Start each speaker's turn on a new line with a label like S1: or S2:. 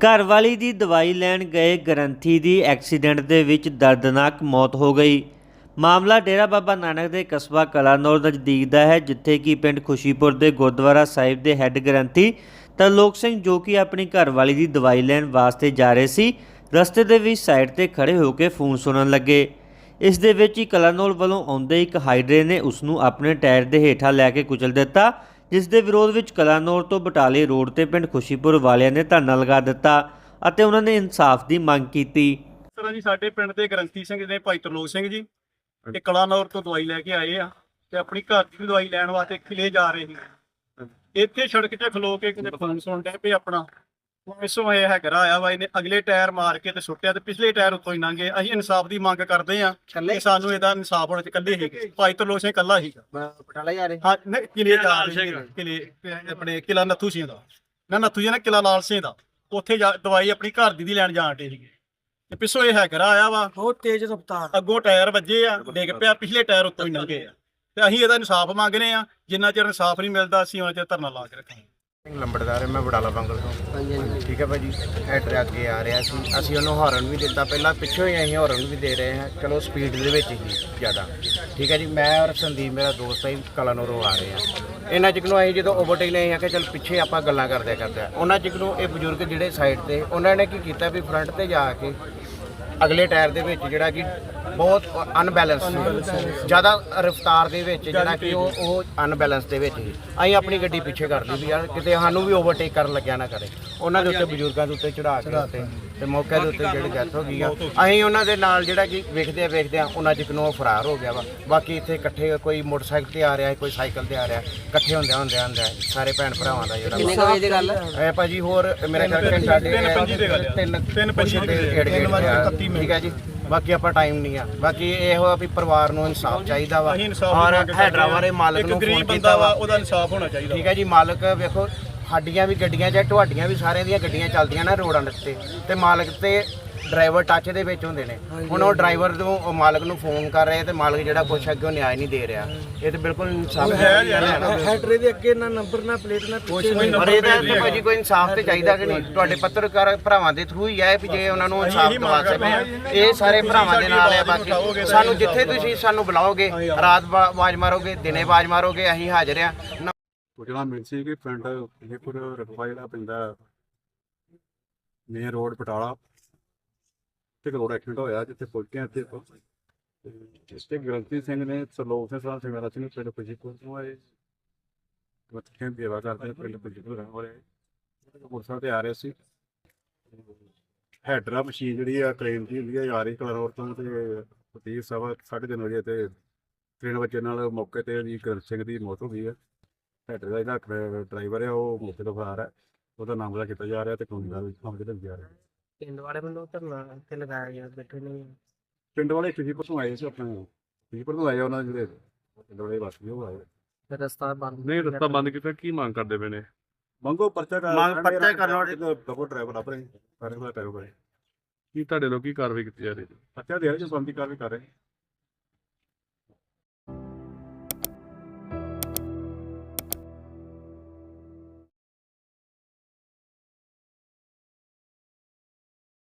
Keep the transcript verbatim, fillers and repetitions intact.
S1: ਘਰਵਾਲੀ ਦੀ ਦਵਾਈ ਲੈਣ ਗਏ ਗ੍ਰੰਥੀ ਦੀ ਐਕਸੀਡੈਂਟ ਦੇ ਵਿੱਚ ਦਰਦਨਾਕ ਮੌਤ ਹੋ ਗਈ। ਮਾਮਲਾ ਡੇਰਾ ਬਾਬਾ ਨਾਨਕ ਦੇ ਕਸਬਾ ਕਲਾਨੌਰ ਨਜ਼ਦੀਕ ਦਾ ਹੈ, ਜਿੱਥੇ ਕਿ ਪਿੰਡ ਖੁਸ਼ੀਪੁਰ ਦੇ ਗੁਰਦੁਆਰਾ ਸਾਹਿਬ ਦੇ ਹੈੱਡ ਗ੍ਰੰਥੀ ਤਰਲੋਕ ਸਿੰਘ, ਜੋ ਕਿ ਆਪਣੀ ਘਰਵਾਲੀ ਦੀ ਦਵਾਈ ਲੈਣ ਵਾਸਤੇ ਜਾ ਰਹੇ ਸੀ, ਰਸਤੇ ਦੇ ਵਿੱਚ ਸਾਈਡ ਤੇ ਖੜੇ ਹੋ ਕੇ ਫੋਨ ਸੁਣਨ ਲੱਗੇ। ਇਸ ਦੇ ਵਿੱਚ ਹੀ ਕਲਾਨੌਰ ਵੱਲੋਂ ਆਉਂਦੇ ਇੱਕ ਹਾਈਡਰੇ ਨੇ ਉਸ ਨੂੰ ਆਪਣੇ ਟਾਇਰ ਦੇ ਹੇਠਾਂ ਲੈ ਕੇ ਕੁਚਲ ਦਿੱਤਾ, ਜਿਸ ਦੇ ਵਿਰੋਧ ਵਿੱਚ ਕਲਾਨੌਰ ਤੋਂ ਬਟਾਲੇ ਰੋਡ ਤੇ ਪਿੰਡ ਖੁਸ਼ੀਪੁਰ ਵਾਲਿਆਂ ਨੇ ਧਰਨਾ ਲਗਾ ਦਿੱਤਾ ਅਤੇ ਉਹਨਾਂ ਨੇ ਇਨਸਾਫ ਦੀ ਮੰਗ ਕੀਤੀ।
S2: ਇਸ ਤਰ੍ਹਾਂ ਜੀ ਸਾਡੇ ਪਿੰਡ ਦੇ ਗ੍ਰੰਥੀ ਸਿੰਘ ਨੇ ਭਾਈ ਤਰਲੋਕ ਸਿੰਘ ਜੀ ਇਹ ਕਲਾਨੌਰ ਤੋਂ ਦਵਾਈ ਲੈ ਕੇ ਆਏ ਆ ਤੇ ਆਪਣੀ ਘਰ ਦੀ ਦਵਾਈ ਲੈਣ ਵਾਸਤੇ ਕਿਲੇ ਜਾ ਰਹੇ ਸੀ। ਇੱਥੇ ਸੜਕ 'ਤੇ ਖਲੋ ਕੇ ਕਿਤੇ ਫੋਨ ਸੁਣ ਡਿਆ ਪਏ ਆਪਣਾ ਪਿੱਛੋਂ ਇਹ ਹੈਕਰ ਆਇਆ ਵਾ, ਇਹਨੇ ਅਗਲੇ ਟਾਇਰ ਮਾਰ ਕੇ ਤੇ ਸੁੱਟਿਆ ਤੇ ਪਿਛਲੇ ਟਾਇਰ ਉੱਤੋਂ ਹੀ ਲੰਘੇ। ਅਸੀਂ ਇਨਸਾਫ ਦੀ ਮੰਗ ਕਰਦੇ ਆ ਕਿ ਸਾਨੂੰ ਇਹਦਾ ਇਨਸਾਫ ਹੋਣਾ ਚਾਹੀਦਾ। ਇਕੱਲੇ ਹੀ ਭਾਈ ਤਰਲੋਕ ਸਿੰਘ ਇਕੱਲਾ ਸੀਗਾ।
S3: ਬਟਾਲਾ ਜਾ ਰਹੇ
S2: ਹਾਂ ਨਹੀਂ, ਕਿਲੇ ਜਾ ਰਹੇ ਕਿਲੇ ਆਪਣੇ ਕਿਲਾ ਨੱਥੂ ਸਿੰਘ ਦਾ ਨਾ ਨੱਥੂ ਜੀ ਨਾ ਕਿਲਾ ਲਾਲ ਸਿੰਘ ਦਾ ਉੱਥੇ ਜਾ ਦਵਾਈ ਆਪਣੀ ਘਰ ਦੀ ਦੀ ਲੈਣ ਜਾਣ ਡੇ ਸੀਗੇ ਤੇ ਪਿੱਛੋਂ ਇਹ ਹੈਕਰ ਆਇਆ ਵਾ,
S3: ਬਹੁਤ ਤੇਜ਼ ਰਫ਼ਤਾਰ,
S2: ਅੱਗੋਂ ਟਾਇਰ ਵੱਜੇ ਆ, ਡਿੱਗ ਪਿਆ, ਪਿਛਲੇ ਟਾਇਰ ਉੱਤੋਂ ਹੀ ਲੰਘੇ ਆ ਤੇ ਅਸੀਂ ਇਹਦਾ ਇਨਸਾਫ ਮੰਗਨੇ ਆ। ਜਿੰਨਾ ਚਿਰ ਇਨਸਾਫ ਨਹੀਂ ਮਿਲਦਾ ਅਸੀਂ ਉਹਨਾਂ ਚਿਰ ਧਰਨਾ ਲਾ ਕੇ ਰੱਖਾਂਗੇ।
S4: ਲੰਬੜਦਾਰ ਮੈਂ ਬਟਾਲਾ ਬੰਗਲ ਤੋਂ।
S3: ਹਾਂਜੀ ਹਾਂਜੀ
S4: ਠੀਕ ਹੈ ਭਾਜੀ, ਹੈਡਰ ਅੱਗੇ ਆ ਰਿਹਾ ਸੀ, ਅਸੀਂ ਉਹਨੂੰ ਹਾਰਨ ਵੀ ਦਿੱਤਾ, ਪਹਿਲਾਂ ਪਿੱਛੋਂ ਹੀ ਅਸੀਂ ਹਾਰਨ ਵੀ ਦੇ ਰਹੇ ਹਾਂ, ਚਲੋ ਸਪੀਡ ਦੇ ਵਿੱਚ ਹੀ ਜ਼ਿਆਦਾ। ਠੀਕ ਹੈ ਜੀ, ਮੈਂ ਔਰ ਸੰਦੀਪ ਮੇਰਾ ਦੋਸਤ ਹੈ, ਕਲਾਨੌਰੋਂ ਆ ਰਹੇ ਹਾਂ। ਇਹਨਾਂ ਚਿਕ ਨੂੰ ਅਸੀਂ ਜਦੋਂ ਓਵਰਟੇਕ ਨਹੀਂ ਆ ਕਿ ਚਲ ਪਿੱਛੇ ਆਪਾਂ ਗੱਲਾਂ ਕਰਦੇ ਕਰਦੇ ਉਹਨਾਂ ਚਿਕ ਨੂੰ ਇਹ ਬਜ਼ੁਰਗ ਜਿਹੜੇ ਸਾਈਡ ਤੇ ਉਹਨਾਂ ਨੇ ਕੀ ਕੀਤਾ ਵੀ ਫਰੰਟ ਤੇ ਜਾ ਕੇ ਅਗਲੇ ਟਾਇਰ ਦੇ ਵਿੱਚ ਜਿਹੜਾ ਕਿ ਬਹੁਤ ਅਨਬੈਲੈਂਸ ਸੀ, ਜ਼ਿਆਦਾ ਰਫ਼ਤਾਰ ਦੇ ਵਿੱਚ ਜਿਹੜਾ ਕਿ ਉਹ ਉਹ ਅਨਬੈਲੈਂਸ ਦੇ ਵਿੱਚ ਸੀ। ਅਸੀਂ ਆਪਣੀ ਗੱਡੀ ਪਿੱਛੇ ਕਰ ਲਈ ਵੀ ਯਾਰ ਕਿਤੇ ਸਾਨੂੰ ਵੀ ਓਵਰਟੇਕ ਕਰਨ ਲੱਗਿਆ ਨਾ ਕਰੇ। ਉਹਨਾਂ ਦੇ ਉੱਤੇ ਬਜ਼ੁਰਗਾਂ ਦੇ ਉੱਤੇ ਚੜਾ ਕੇ ਉੱਤੇ ਤੇ ਮੌਕੇ ਦੇ ਉੱਤੇ ਜਿਹੜੀ ਡੈਥ ਹੋ ਗਈ ਆ। ਅਸੀਂ ਉਹਨਾਂ ਦੇ ਨਾਲ ਜਿਹੜਾ ਕਿ ਵੇਖਦੇ ਵੇਖਦੇ ਆ ਉਹਨਾਂ ਚਿਕ ਨੂੰ ਉਹ ਫਰਾਰ ਹੋ ਗਿਆ ਵਾ। ਬਾਕੀ ਇੱਥੇ ਇਕੱਠੇ ਕੋਈ ਮੋਟਰਸਾਈਕਲ ਤੇ ਆ ਰਿਹਾ, ਕੋਈ ਸਾਈਕਲ ਤੇ ਆ ਰਿਹਾ, ਇਕੱਠੇ ਹੁੰਦਿਆਂ ਹੁੰਦਿਆਂ ਹੁੰਦਾ ਸਾਰੇ ਭੈਣ ਭਰਾਵਾਂ ਦਾ ਜਿਹੜਾ
S3: ਕਿੰਨੇ ਕੁ ਵਜੇ ਦੀ ਗੱਲ ਹੈ
S4: ਇਹ ਭਾਜੀ। ਹੋਰ ਮੇਰੇ ਖਿਆਲ ਘੰਟਾ ਡੇਢ ਤਿੰਨ ਤਿੰਨ ਪੰਜੀ ਠੀਕ ਹੈ ਜੀ। ਬਾਕੀ ਆਪਾਂ ਟਾਈਮ ਨਹੀਂ ਆ। ਬਾਕੀ ਇਹੋ ਆ ਵੀ ਪਰਿਵਾਰ ਨੂੰ ਇਨਸਾਫ ਚਾਹੀਦਾ ਵਾ ਔਰ ਹੈਡਰਾਵਾਰੇ ਮਾਲਕ ਨੂੰ ਫੋਨ ਕੀਤਾ ਵਾ,
S2: ਉਹਦਾ ਇਨਸਾਫ ਹੋਣਾ ਚਾਹੀਦਾ।
S4: ਠੀਕ ਹੈ ਜੀ, ਮਾਲਕ ਵੇਖੋ ਸਾਡੀਆਂ ਵੀ ਗੱਡੀਆਂ ਚਾਹੇ ਤੁਹਾਡੀਆਂ ਵੀ ਸਾਰਿਆਂ ਦੀਆਂ ਗੱਡੀਆਂ ਚੱਲਦੀਆਂ ਨਾ ਰੋਡਾਂ ਤੇ ਤੇ ਮਾਲਕ ਤੇ ਡਰਾਈਵਰ ਟੱਚ ਦੇ ਵਿੱਚ ਹੁੰਦੇ ਨੇ। ਹੁਣ ਉਹ ਡਰਾਈਵਰ ਨੂੰ ਉਹ ਮਾਲਕ ਨੂੰ ਫੋਨ ਕਰ ਰਹੇ ਤੇ ਮਾਲਕ ਜਿਹੜਾ ਕੁਛ ਅੱਗੇ ਉਹ ਨਿਆਂ ਨਹੀਂ ਦੇ ਰਿਹਾ। ਇਹ ਤੇ ਬਿਲਕੁਲ ਇਨਸਾਫ ਹੈ।
S3: ਹੈਡਰੇ ਦੇ ਅੱਗੇ ਨਾ ਨੰਬਰ ਨਾ ਪਲੇਟ ਨਾ
S4: ਪਰ ਇਹਦਾ ਤੇ ਭਾਜੀ ਕੋਈ ਇਨਸਾਫ ਤੇ ਚਾਹੀਦਾ ਕਿ ਨਹੀਂ? ਤੁਹਾਡੇ ਪੱਤਰਕਾਰ ਭਰਾਵਾਂ ਦੇ ਥਰੂ ਹੀ ਹੈ ਵੀ ਜੇ ਉਹਨਾਂ ਨੂੰ ਇਨਸਾਫ ਦਵਾ ਸਕਦੇ। ਇਹ ਸਾਰੇ ਭਰਾਵਾਂ ਦੇ ਨਾਲ ਹੈ। ਬਾਕੀ ਸਾਨੂੰ ਜਿੱਥੇ ਤੁਸੀਂ ਸਾਨੂੰ ਬੁਲਾਓਗੇ, ਰਾਤ ਆਵਾਜ਼ ਮਾਰੋਗੇ, ਦਿਨੇ ਆਵਾਜ਼ ਮਾਰੋਗੇ, ਅਸੀਂ ਹਾਜ਼ਰ ਆ।
S5: ਸੂਚਨਾ ਮਿਲ ਸੀ ਕਿ ਪਿੰਡ ਖੁਸ਼ੀਪੁਰ ਰਕਬਾ ਜਿਹੜਾ ਪੈਂਦਾ ਮੇਨ ਰੋਡ ਬਟਾਲਾ ਤੇ ਰੋਡ ਐਕਸੀਡੈਂਟ ਹੋਇਆ, ਜਿੱਥੇ ਪਹੁੰਚੇ ਹਾਂ ਇੱਥੇ ਇਸ ਤੇ ਗ੍ਰੰਥੀ ਸਿੰਘ ਨੇ ਤਰਲੋਕ ਸਿੰਘ ਸਾਹਿਬ ਸਿੰਘ ਸਿੰਘ ਪਿੰਡ ਖੁਸ਼ੀਪੁਰ ਤੋਂ ਆਏ ਮੱਥਿਆਂ ਦੀ ਸੇਵਾ ਕਰਦੇ ਪਿੰਡ ਖੁਸ਼ੀਪੁਰ ਰਹਿਣ ਵਾਲੇ ਮੋਟਰਸਾਈਕਲ ਤੇ ਆ ਰਹੇ ਸੀ। ਹੈਡਰਾ ਮਸ਼ੀਨ ਜਿਹੜੀ ਆ ਕ੍ਰੇਨ ਦੀ ਹੁੰਦੀ ਆ, ਆ ਰਹੀ ਕਲਾਨੌਰ ਤੋਂ ਤੇ ਤੀਹ ਸਵਾ ਸਾਢੇ ਤਿੰਨ ਵਜੇ ਤੇ ਟ੍ਰੇਨ ਵੱਜੇ ਨਾਲ ਮੌਕੇ ਤੇ ਜੀ ਗ੍ਰੰਥ ਸਿੰਘ ਦੀ ਮੌਤ ਹੋ ਗਈ ਹੈ। ਹੈਡਰ ਦਾ ਜਿਹੜਾ ਡਰਾਈਵਰ ਹੈ ਉਹ ਮੌਕੇ ਤੋਂ ਫਰਾਰ ਹੈ, ਉਹਦਾ ਨਾਮਜ਼ਦ ਕੀਤਾ ਜਾ ਰਿਹਾ ਤੇ ਕਾਨੂੰਨੀ ਦਾ ਨਾਮਜ਼ਦ ਕੀਤਾ ਜਾ ਰਿਹਾ।
S3: ਪਿੰਡ ਵਾਲੇ ਵੱਲੋਂ ਧਰਨਾ ਇੱਥੇ ਲਗਾਇਆ ਗਿਆ, ਬੈਠੇ ਨੇ
S5: ਪਿੰਡ ਵਾਲੇ ਖੁਸ਼ੀਪੁਰ ਤੋਂ ਆਏ ਸੀ, ਆਪਣੇ ਖੁਸ਼ੀਪੁਰ ਤੋਂ ਆਏ ਉਹਨਾਂ ਦੇ ਜਿਹੜੇ ਪਿੰਡ ਵਾਲੇ ਵਾਸੀ ਉਹ ਆਏ।
S3: ਰਸਤਾ ਬੰਦ
S6: ਨਹੀਂ ਰਸਤਾ ਬੰਦ ਕੀਤਾ, ਕੀ ਮੰਗ ਕਰਦੇ ਪਏ ਨੇ?
S5: ਮੰਗੋ ਪਰਚਾ ਕਰ
S4: ਮੰਗ ਪਰਚਾ ਕਰਨ
S5: ਡਬਲ ਡਰਾਈਵਰ ਆਪਣੇ ਸਾਰੇ ਦਾ ਪੈਰੋ ਕਰੇ
S6: ਕੀ ਤੁਹਾਡੇ ਲੋਕ ਕੀ ਕਾਰਵਾਈ ਕੀਤੀ ਜਾ ਰਹੀ ਹੈ?
S5: ਪਰਚਾ ਦੇ ਰਹੇ ਜੋ ਬੰਦੀ ਕਾਰਵਾਈ ਕਰ ਰਹੇ।